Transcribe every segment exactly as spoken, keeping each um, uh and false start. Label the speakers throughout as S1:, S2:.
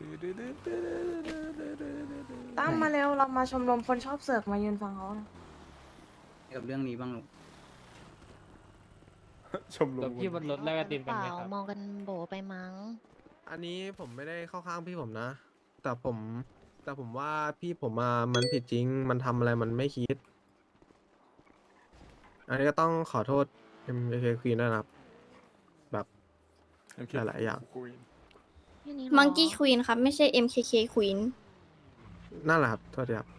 S1: ตั้มมาเร็วเรามาชมรมคนชอบเสือกมายืนฟังเขานะ
S2: กับเรื่องนี้บ้างลูก
S3: ชมร
S4: เดี๋ยว
S3: ม
S4: พี่บนรถแลกไอติม
S5: เป
S4: กัน
S5: ล่า
S4: ไหมครับ
S5: มองกันโบไปมั้ง
S3: อันนี้ผมไม่ได้เข้าข้างพี่ผมนะ แต่ผม แต่ผมว่าพี่ผมมามันผิดจริง มันทำอะไรมันไม่คิด อันนี้ก็ต้องขอโทษ เอ็ม เค Queen ด้วยนะครับ แบบหลายๆอย่าง
S5: แค่นี้เหรอ
S6: มังกี้ควีนครับ ไม่ใช่ เอ็ม เค เค ควีน
S3: นั่นแหละครับ โทษทีครับ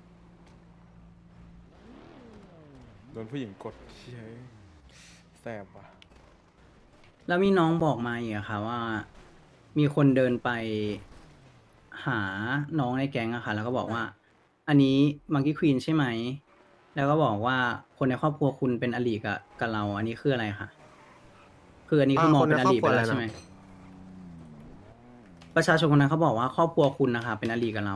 S7: โดนผู้หญิงกดเฮ้ยแสบว่ะ
S2: แล้วมีน้องบอกมาอีกอะค่ะว่า มีคนเดินไปหาน้องในแก๊งอะค่ะ แล้วก็บอกว่า อันนี้มังกี้ควีนใช่ไหม แล้วก็บอกว่าคนในครอบครัวคุณเป็นอลีกับกับเรา อันนี้คืออะไรคะคืออันนี้คือมองเป็นอลีไปแล้วใช่ไหมประชาชนคนนั้นเขาบอกว่าครอบครัวคุณนะคะเป็นอลีกับเรา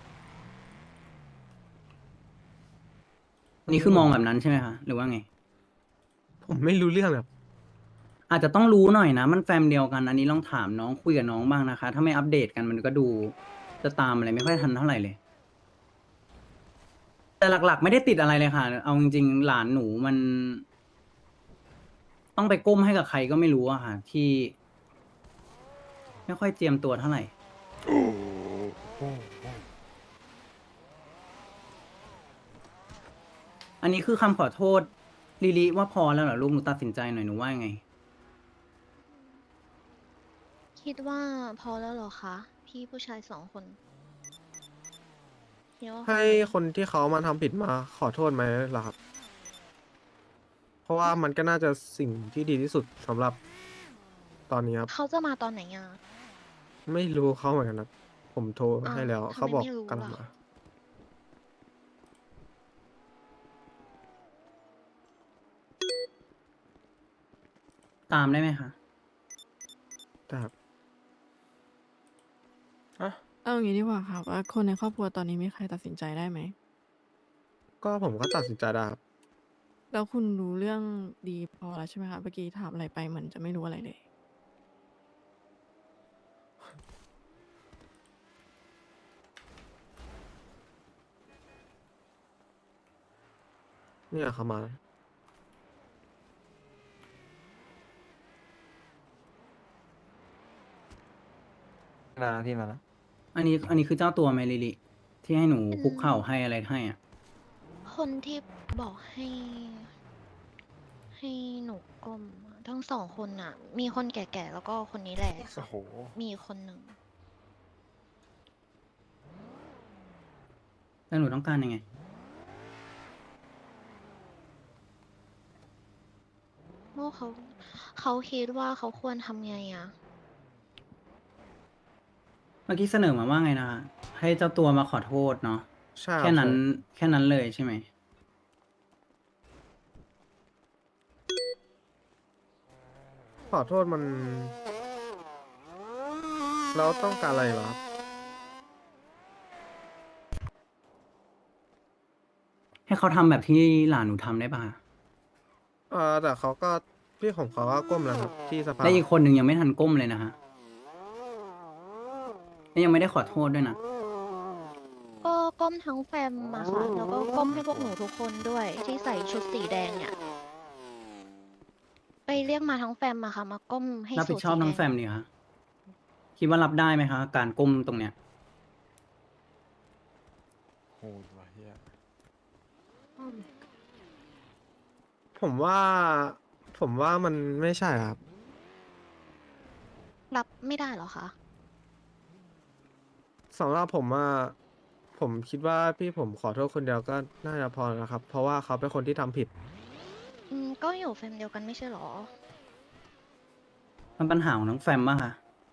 S2: อันนี้คือมองแบบนั้นใช่ไหมคะหรือว่าไง
S3: ผมไม่รู้เรื่องแบบ
S2: อาจจะต้องรู้หน่อยนะ มันแฟมเดียวกัน อันนี้ลองถามน้องคุยกับน้องบ้างนะคะ ถ้าไม่อัปเดตกันมันก็ดูจะตามอะไรไม่ค่อยทันเท่าไหร่เลย แต่หลักๆ ไม่ได้ติดอะไรเลยค่ะ เอาจริงๆหลานหนูมัน ต้องไปก้มให้กับใครก็ไม่รู้อะค่ะ ที่ ไม่ค่อยเตรียมตัวเท่าไหร่ อันนี้คือคำขอโทษลิลิว่าพอแล้วเหรอลูกหนูตัดสินใจหน่อยหนูว่ายังไง
S5: คิดว่าพอแล้วเหรอคะ พี่ผู้ชายสองคนคิดว่าพอ
S3: ให้
S5: ไหม
S3: คนที่เขามาทำผิดมาขอโทษไหมล่ะครับ เพราะว่ามันก็น่าจะสิ่งที่ดีที่สุดสำหรับตอนนี้ครับ
S5: เขาจะมาตอนไหนอ่ะ
S3: ไม่รู้เขาเหมือนกันนะผมโทร
S5: อ้าว
S3: ให้แล้ว
S5: ทำไม
S3: เขาบอก
S5: ไม่รู้
S3: กำลัง
S5: ล่ะ
S3: มา
S2: ตามได้ไหมคะ
S3: แต่ครับ
S8: เอาอย่างนี้ดีกว่าค่ะว่าคนในครอบครัวตอนนี้มีใครตัดสินใจได้ไหม
S3: ก็ผมก็ตัดสินใจได้ครับ
S8: แล้วคุณรู้เรื่องดีพอแล้วใช่ไหมคะเมื่อกี้ถามอะไรไปเหมือนจะไม่รู้อะไรเลย
S3: เนี่ยเขามา
S4: นาพี่มาแล้ว
S2: อันนี้อันนี้คือเจ้าตัวไหมลิลิที่ให้หนูคุกเข่าให้อะไรให้อ่ะ
S5: คนที่บอกให้ ให้หนูก้มอะทั้งสองคนน่ะ มีคนแก่ๆแล้วก็คนนี้แหละ
S7: โอ้โห
S5: มีอีกคนหนึ่ง
S2: แล้วหนูต้องการยังไง
S5: โม่เขาเขาคิดว่าเขาควรทำไงอ่ะ
S2: เมื่อกี้เสนอมาว่าไงนะคะให้เจ้าตัวมาขอโทษเนาะ
S3: ใช่รับ
S2: แค่นั้น
S3: ใช่
S2: แค่นั้นเลยใช่ไหม
S3: ขอโทษมัน เราต้องการอะไรเหรอครับ
S2: ให้เขาทำแบบที่หลานหนูทำได้ป่ะ
S3: เออแต่เขาก็พี่ของเขาก็ก้มแล้วครับ ที่สภา
S2: และอีกคนหนึ่งยังไม่ทันก้มเลยนะฮะและยังไม่ได้ขอโทษด้วยนะ
S5: ก็ก้มทั้งแฟมมาค่ะ แล้วก็ก้มให้พวกหนูทุกคนด้วย ที่ใส่ชุดสีแดงเนี่ย ไปเรียกมาทั้งแฟมมาค่ะ มาก้มให้
S2: รับผิดชอบ
S5: สู
S2: ทั้งแฟมนี่คะคิดว่ารับได้ไหมคะ การก้มตรงเนี้ย
S7: โหดว่ะเฮีย
S3: ผมว่า ผมว่ามันไม่ใช่ครับ
S5: รับไม่ได้เหรอคะ
S3: สำหรับผมว่าผมคิดว่าพี่ผมขอโทษคนเดียวก็น่าจะพอแล้วครับ เพราะว่าเขาเป็นคนที่ทำผิด
S5: อืม ก็อยู่แฟมเดียวกันไม่ใช่เหรอ
S2: มันปัญหาของทั้งแฟมป่ะคะ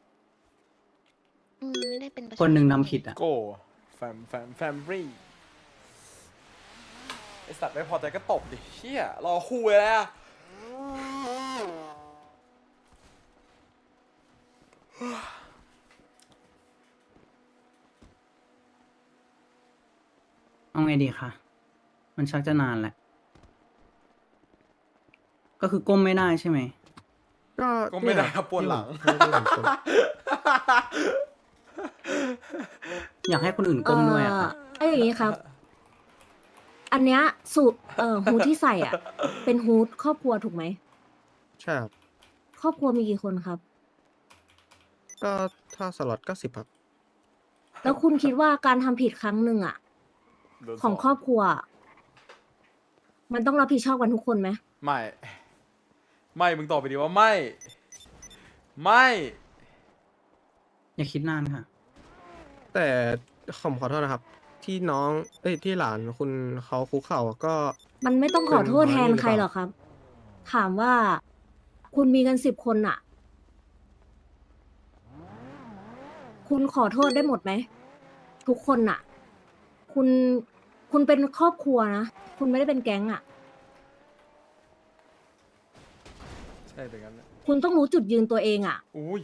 S5: อืม ไม่ได้เป็นประชา
S2: คนหนึ่ง
S5: ช
S2: ทำผิดอ่ะ
S7: โก้แฟมแฟมแฟมบรีไอสัตว์ไม่พอใจก็ตบดิเฮียรอคุยแล้ว
S2: เอาไงดีคะ มันชักจะนานแหละ ก็คือก้มไม่ได้ใช่ไหม
S3: ก็
S7: ก็ไม่ได้
S3: เนี่ย
S7: ครับปวดหลัง
S3: ที่ผมที่ผมกด
S2: อยากให้คนอื่นก้มด้วยอะค่ะ
S9: เอ้ยอย่างนี้ครับ อันเนี้ยสูตรเอ่อฮูดที่ใส่อ่ะ เป็นฮูดครอบครัวถูกไหม
S3: ใช่ครับ
S9: ครอบครัวมีกี่คนครับ
S3: ก็ถ้าสล็อตก็สิบครับ
S9: แล้วคุณคิดว่าการทำผิดครั้งหนึ่งอ่ะ
S7: โดน
S9: ของ
S7: ส
S9: ครอบครัว มันต้องรับผิดชอบกันทุกคนไหม
S7: ไม่ ไม่มึงตอบไปดีว่าไม่ ไม่
S2: อย่าคิดนานค่ะ
S3: แต่ผมขอโทษนะครับ ที่น้องเอ้ยที่หลานคุณเขาคุกเข่าก็
S9: มันไม่ต้องขอโทษ
S3: เป็น
S9: แทน
S3: น้อย
S9: ใคร
S3: หรือเปล่า
S9: หรอกครับ ถามว่า คุณมีกันสิบคนอ่ะ คุณขอโทษได้หมดไหม ทุกคนน่ะ คุณ คุณเป็นครอบครัวนะ คุณไม่ได้เป็นแก๊งอ่ะ
S7: ใช่แต่งั้นแหละ
S9: คุณต้องรู้จุดยืนตัวเองอ่ะ
S7: อุ้ย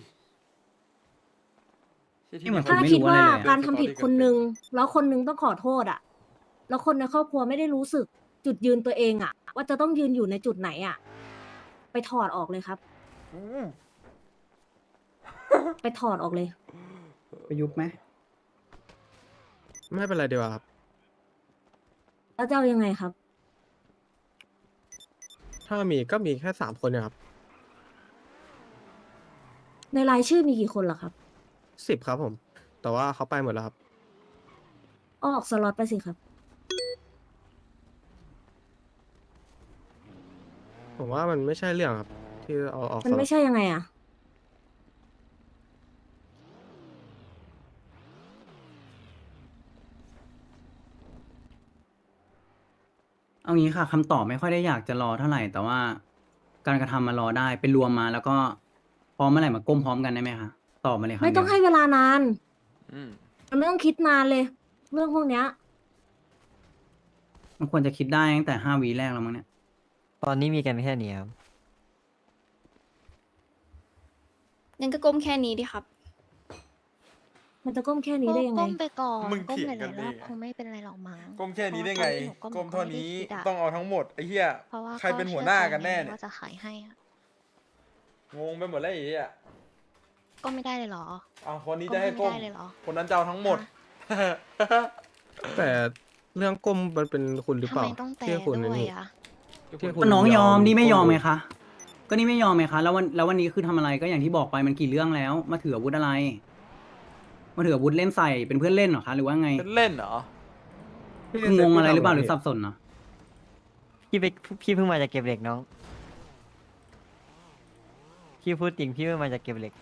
S7: ใช่ที่
S2: นี่เหมือน
S9: ถ้า
S2: ผมไม่
S9: คิด
S2: รู้
S9: ว่า
S2: อะไรเลยอะ
S9: การทำผิดคนหนึ่งแล้วคนหนึงต้องขอโทษอ่ะ แล้วคนในครอบครัวไม่ได้รู้สึกจุดยืนตัวเองอ่ะ ว่าจะต้องยืนอยู่ในจุดไหนอ่ะ ไปถอดออกเลยครับ
S7: อืม
S9: ไปถอดออกเลย
S2: ไปยุบไหม
S3: ไม่เป็นไรดีกว่าครับ
S9: แล้วจะเอายังไงครับ
S3: ถ้ามีก็มีแค่สามคนเนี่ยครับ
S9: ในรายชื่อมีกี่คนเหรอครับ
S3: สิบครับผม แต่ว่าเขาไปหมดแล้วครับ
S9: ออกสล็อตไปสิครับ
S3: ผมว่ามันไม่ใช่เรื่องครับ ที่เอาออก
S9: มัน
S3: สล็อ
S9: ไม่
S3: ต
S9: ใช่ยังไงอ่ะ
S2: เอางี้ค่ะคำตอบไม่ค่อยได้อยากจะรอเท่าไหร่ แต่ว่าการกระทำมารอได้เป็นรวมมาแล้วก็พร้อมเมื่อไหร่มาก้มพร้อมกันได้ไหมคะตอบมาเลยค่ะ
S9: ไม่ต้องให้เวลานาน
S7: อืม
S9: มันไม่ต้องคิดนานเลย เรื่องพวกเนี้ย
S2: มันควรจะคิดได้ตั้งแต่ห้าวีแรกแล้วมั้งเนี่ย
S4: ตอนนี้มีกันแค่นี้ครับ
S6: งั้นก็ก้มแค่นี้ดิครับ
S9: มันจะก้มแค่นี้ได้ยังไง
S5: ก้มไปก่อน
S7: มึง
S5: ก้ม
S7: เถีย
S5: ห
S7: งกั
S5: ลาน ยๆรอบ
S7: เองอะ
S5: คงไม่เป็นไรหรอกมั้ง
S7: ก้มแค่นี้ได้
S5: เพ
S7: ไง
S5: ราะว่าตอนที่หนู
S7: ก้มเท่านี้
S5: หก็ไม่ได้คิดะ
S7: ต้องเอาทั้งหมดไอ้เหี้ย
S5: เพราะว่า
S7: ใครเป็นหัวหน้ากันแน่เนี่ย
S5: ว่าจะขายให้อะ
S7: งงไปหมดแล้วไอ้เหี้ย
S5: ก็ไม่ได้เลยเหรอ
S7: เอาคนนี้จะให้
S5: ก้
S7: ก้
S5: ม
S7: ม
S5: ไม่ได้เลยเหรอ
S7: คนนั้นจะเอาทั้งหมด
S3: แต่เรื่องก้มมันเป็นคุณหรือ
S5: ทำ
S3: เปล่า
S5: ไมต้องแต่
S3: ที่คุณ
S5: ด้วย
S3: นี่
S5: อะ
S3: ที่คุ
S2: ก็
S3: ณ
S2: น้องยอมนี่ไม่ยอม
S3: ก้
S2: ไหมคะ ก็นี่ไม่ยอมไหมคะ แล้ววันแล้ววันนี้คือทำอะไรก็อย่างที่บอกไปมันกี่เรื่องแล้ว มาถืออาวุธอะไร มาถืออาวุธเล่นใส่เป็นเพื่อนเล่นเหรอคะ หรือว่าไง
S7: เล่นเหรอ
S2: คืองงอะไรหรือเปล่าหรือสับสนเนาะ
S4: พี่ไปพี่เพิ่งมาจากเก็บเหล็กน้อง พี่พูดจริงพี่เพิ่งมาจากเก็บเหล็ก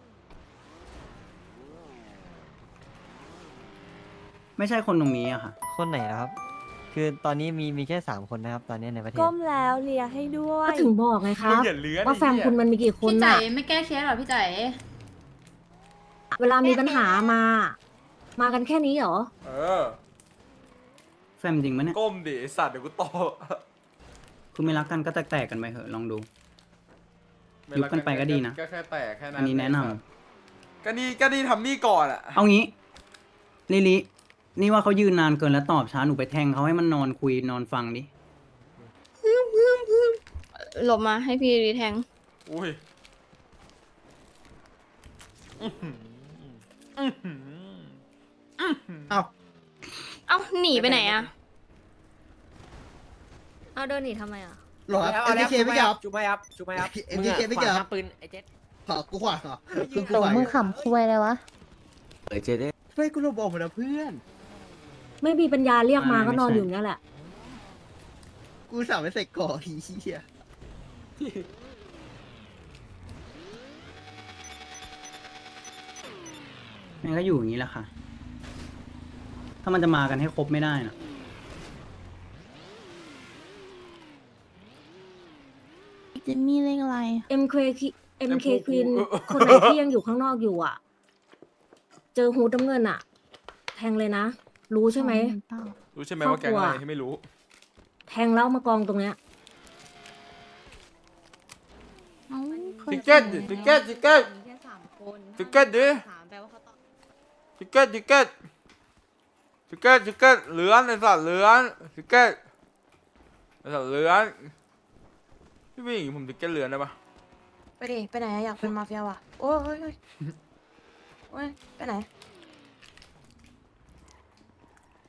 S2: ไม่ใช่คนตรงนี้อะค่ะ
S4: คนไหนนะครับ คือตอนนี้มีมีแค่สามคนนะครับ ตอนนี้ในประเทศ
S8: ก้มแล้วเลียให้ด้วย
S9: ก็ถึงบอกไงค
S7: มึ
S9: รั
S7: ง
S9: บ
S7: อย่าเลื้อน
S9: ว่าแฟม
S7: ไอ้เหี้ย
S9: คุณมันมีกี่คน
S10: พี่ใจ
S9: น่ะ
S10: ไม่แก้เคสหรอพี่ใจ
S9: เวลามีปัญหามา มากันแค่นี้เหรอ
S7: เออ
S2: แฟมจริงปะเนี่ย
S7: ก้มดิไอ้สัตว์เดี๋ยวกูตบ
S2: คือไม่รักกันก็แตกๆกันไปเถอะลองดู ยุบกันไปก็ดีนะ
S7: ก็แค่แตกแค่นั้น
S2: อันนี้แนะนำ
S7: ไอ้สัตว์ก็นี่ก็นี่ทำนี่ก่อนอะ
S2: เอางี้ลิลินี่ว่าเขายืนนานเกินแล้วตอบช้าหนูไปแทงเขาให้มันนอนคุยนอนฟังดิ
S6: หลบมาให้พี่รีแทง
S7: อุ้ยอื้อหืออื้อหืออื้อหือ
S2: เอ้า
S6: เอ้าหนีไปไหนอะ
S9: เอาเดินหนีทำไมอ่ะ
S11: หรอเอ็มเคไม่เกี่ยว
S4: จุ๊บไม่ยับจุ๊บไม่ยับ
S11: เอ็มเคไม่เกี่ยว
S4: ปืนไอ้เจ็ด
S11: ขอกูขวาเหรอคือกู
S5: ตก
S11: ไหว
S5: มึงขำคุยเลยวะ
S4: เออเจ็ด
S11: เฮ้ยกูลบออกหมดแล้วเพื่อน
S9: ไม่มีปัญญาเรียกมา
S2: ไม่
S9: ก็นอน
S2: ไม่ใช่
S9: อยู่อย่างนี้แหละ
S11: กูสาวไม่ใส่ก่อทีเหี้ย
S2: มันก็อยู่อย่างนี้แหละค่ะ ถ้ามันจะมากันให้ครบไม่ได้นะ
S10: เจนนี่เลขอะไร
S9: เอ็มเค เอ็มเค Queen คนไหนที่ยังอยู่ข้างนอกอยู่อ่ะ เจอฮูดน้ำเงินอ่ะ แทงเลยนะ รู้ใช่ไหม
S7: รู้ใช่ไหมว่าแกงอะไรที่ไม่รู้
S9: แทงแล้วมากองตรงเนี้ย
S10: เอ้าคย
S7: ติ๊กเก็ตดิติ๊กเก็ตติ๊กเก็ต
S8: มีแค่สามคน
S7: ติ๊กเก็ตดิ
S8: สามแปลว่าเขาต้อง
S7: ติ๊กเก็ตติ๊กเก็ตติ๊กเก็ตติ๊กเก็ตเหลือนไอ้สัตว์เหลือนติ๊กเก็ตไอ้สัตว์เหลือนพี่ผู้หญิงผมติ๊กเก็ตเหลือนได้ปะ
S1: ไปดิ ไปไหนอะอยากเป็นมาเฟียวะโอ้ยโอ้ยโอ้ยโอ้ยไปไหน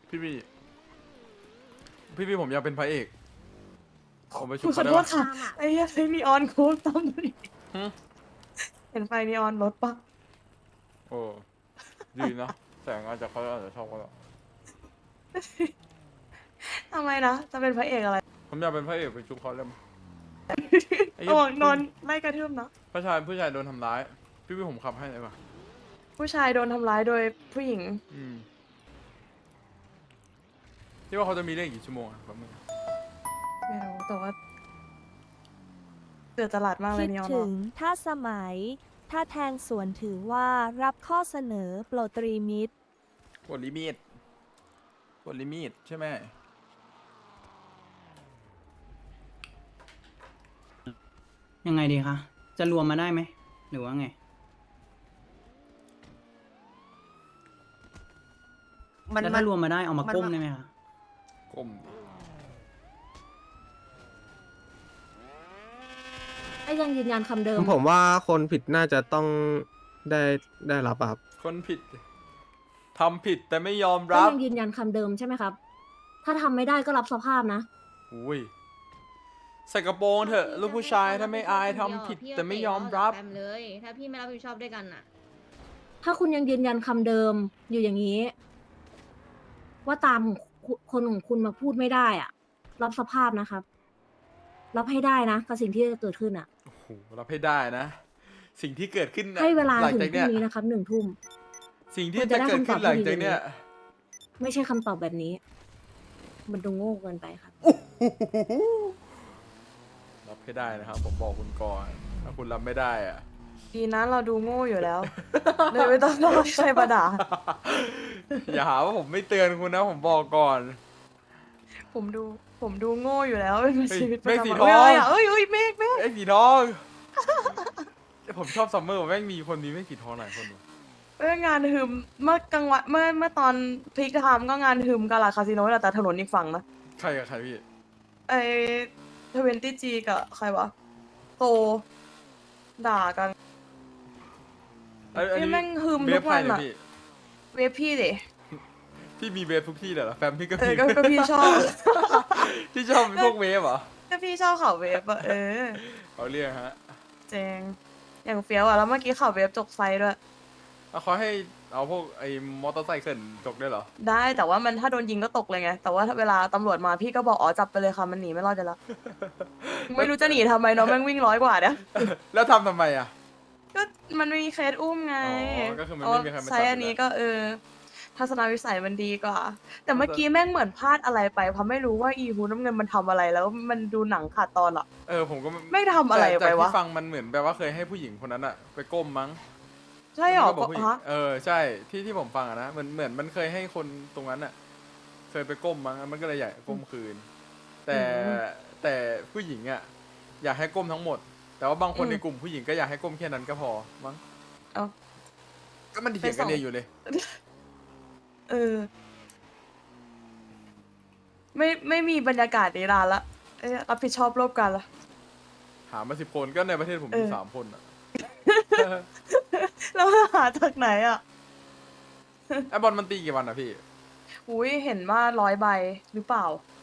S7: พี่พี่พี่พี่ผมอยากเป็นพระเอกผมไปชุ
S1: คุ
S7: บ
S1: ณขอ
S7: เขาได้
S1: โทษ
S7: ปะ
S1: ค่ะไอ้เหี้ยไฟนีออนโค้ดตามดูดิ
S7: หึ
S1: เห็นไฟนีออนรถปะ
S7: โอ้ดีนะแสงอาจจะเขาอาจจะชอบก็ได้
S1: ทำไมนะจะเป็นพระเอกอะไร
S7: ผมอยากเป็นพระเอกไปชุบเขาได้ไหมไอ้
S1: ระ
S7: เหี้ย
S1: วังนอนไล่กระทืบนะ
S7: ผู้ชายผู้ชายโดนทำร้าย พี่พี่ผมขับให้เลยป่ะ
S1: ผู้ชายโดนทำร้ายโดยผู้หญิง
S7: อืมที่ว่าเขาจะมีเรื่องกี่ชั่วโมงอะแป๊บนึง
S1: ไม่รู้แต่ว่าเดือดตลาดมากเลย
S10: คิด
S1: นีออน
S10: ถึ
S1: อะ
S10: งถ้าสมัย ถ้าแทงสวนถือว่ารับข้อเสนอโปรดตรีมิตร
S7: กดลิมิตกดลิมิตใช่ไหม
S2: ยังไงดีคะ จะรวมมาได้ไหม หรือว่าไง แล้วถ้ารวมมาได้เอามาก้มได้ไหมคะ
S7: กลมดิ
S9: ไอ้ยังยืนยันคำเดิม
S3: ผมว่าคนผิดน่าจะต้องได้ได้รับอะครับ
S7: คนผิดทำผิดแต่ไม่ยอม
S9: ก็
S7: รับ
S9: ยังยืนยันคำเดิมใช่ไหมครับ ถ้าทำไม่ได้ก็รับสภาพนะ
S7: อุ้ยใส่กระโปรงเถอะลูกผู้ชายถ้าไม่อายทำผิดแต่ไม่ยอมรับ
S10: เลย ถ้าพี่ไม่รับผิดชอบด้วยกันน่ะ
S9: ถ้าคุณยังยืนยันคำเดิมอยู่อย่างนี้ ว่าตามคุณคนของคุณมาพูดไม่ได้อ่ะ รับสภาพนะครับ รับให้ได้นะกับสิ่งที่จะเกิดขึ้นอ่ะ
S7: โอ้โหรับให้ได้นะ สิ่งที่เกิดขึ้นน่ะ
S9: ให้เวลา
S7: หลัง
S9: ถึง
S7: จาก
S9: พรุ่
S7: เนี้ย
S9: งนี้นะครับหนึ่งทุ่ม
S7: สิ่งที่
S9: คุณจะ
S7: จะ
S9: ได้
S7: เกิดขึ้น
S9: คำตอบ
S7: หลัง
S9: ที่ดี
S7: จากเนี้ย
S9: ไม่ใช่คำตอบแบบนี้ มันดูโง่เกินไปครับ
S7: รับให้ได้นะครับ ผมบอกคุณก่อนถ้าคุณรับไม่ได้อะ
S1: ดีนะเราดูโง่อยู่แล้ว เลยไม่ต้องรอใครมาด่า
S7: อย่าหาว่าผมไม่เตือนคุณนะ ผมบอกก่อน
S1: ผมดูผมดูโง่อยู่แล้วเป็น
S7: เฮ้ย
S1: ชีวิตประ
S7: เมฆ
S1: จำ
S7: สี
S1: วัน
S7: ทอง
S1: เอ้ยอะไรอะเอ้ยเอ้ยเมฆเมฆ
S7: ไอ้สีทอง ผมชอบซัมเมอร์แม่งมีคนนี้ไม่สีทองหลายคนว่ะ
S1: เอ้ยงานหืมเมื่อกลางวันเมื่อเมื่อตอนพีคไทม์ก็งานหืมกาลาคาสิโนแหละแต่ถนนอีกฝั่งนะ
S7: ใครกับใครพี่
S1: ไอทเวนตี้จีกับใครวะโตด่ากัน
S7: อันอัน
S1: นี่
S7: นี้
S1: แม่งหืม
S7: เว
S1: ทุ
S7: ฟ
S1: ก
S7: ใคร
S1: วัน
S7: เนี่ย
S1: อะ
S7: พี่
S1: เวฟพี่ดิ
S7: พี่มีเวฟทุกที่เลยเหรอแฟมพี่ก็
S1: เอ
S7: มี
S1: อก็ก็พี่ชอบ
S7: ที่ชอบเป็นพวกเวฟเหรอ
S1: ก็พี่ชอบข่าวเวฟอะเออ
S7: เขาเรียกฮะ
S1: เจงอย่างเฟี้ยวอะแล้วเมื่อกี้ข่าวเวฟจกไซด้วย
S7: แล้วเขาให้เอาพวกไอ้มอเตอร์ไซค์เขินจกได้วยเหรอ
S1: ได้แต่ว่ามันถ้าโดนยิงก็ตกเลยไง แต่ว่าถ้าเวลาตำรวจมาพี่ก็บอกอ๋อจับไปเลยค่ะมันหนีไม่รอดจะแล้ว ไม่รู้จะหนีทำไมเนาะแม่งวิ่งร้อยกว่าเนี่ย
S7: แล้วทำทำไมอ่ะ
S1: ก็มันมีเคสอุ้มไง
S7: อ๋อก็คือมันไม่มีใครมาจับ
S1: ใช้อันนี้ก็เออทัศนวิสัยมันดีกว่า แต่เมื่อกี้แม่งเหมือนพลาดอะไรไปเพราะไม่รู้ว่าอีฮูน้ำเงินมันทำอะไรแล้วมันดูหนังขาดตอนอะ
S7: เออผมก็
S1: ไม่ทำอะไร
S7: แต่
S1: ไป
S7: จาก
S1: วะ
S7: ที่ฟังมันเหมือนแบบว่าเคยให้ผู้หญิงคนนั้นอะไปก้มมั้ง
S1: ใช่หรอ
S7: มันก็บอกผู้หญิง
S1: ฮะ
S7: เออใช่ที่ที่ผมฟังอะนะเหมือนเหมือนมันเคยให้คนตรงนั้นอะเคยไปก้มมั้งมันก็เลยอยากก้มคืน แต่แต่ผู้หญิงอะอยากให้ก้มทั้งหมด แต่ว่าบางคนในกลุ่มผู้หญิงก็อยากให้ก้มแค่นั้นก็พอมั้ง
S1: เอ้า
S7: ก็มันเถียงกันเองอยู่เลย
S1: เออ ไม่ไม่มีบรรยากาศในร้านละเอ้ยรับผิดชอบร่วมกันละ
S7: หามาสิบคนก็ในประเทศผมมี
S1: เออ
S7: สามคนอะ
S1: แล้วหาจากไหนอ่ะ
S7: ไอบอลมันตีกี่วันอะพี่
S1: อุ้ยเห็นว่าร้อยใบหรือเปล่า